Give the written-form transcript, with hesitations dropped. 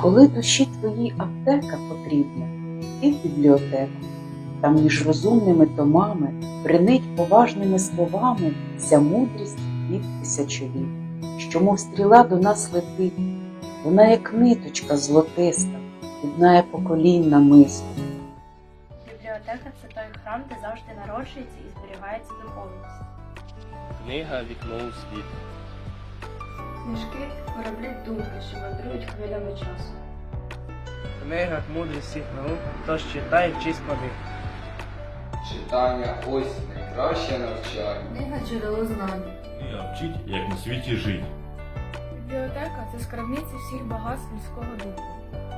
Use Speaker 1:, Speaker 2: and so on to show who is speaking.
Speaker 1: Коли душі твоїй аптека потрібна, ти в бібліотеку, там між розумними томами бринить поважними словами вся мудрість від тисячоліть, що мов стріла до нас летить, вона як ниточка золотиста, єднає поколінь намисто.
Speaker 2: Бібліотека – це той храм, де завжди народжується і зберігається духовність.
Speaker 3: Книга «Вікно у світ».
Speaker 2: Книжки – кораблі думки, що мандрують хвилями часу.
Speaker 3: Книга «Мудрість всіх наук», тож читай, вчись по них.
Speaker 4: Читання ось найкраще навчання.
Speaker 2: Книга – джерело знань.
Speaker 5: Книга вчить, як на світі жить.
Speaker 2: Бібліотека – це скарбниця всіх багатств людського духу.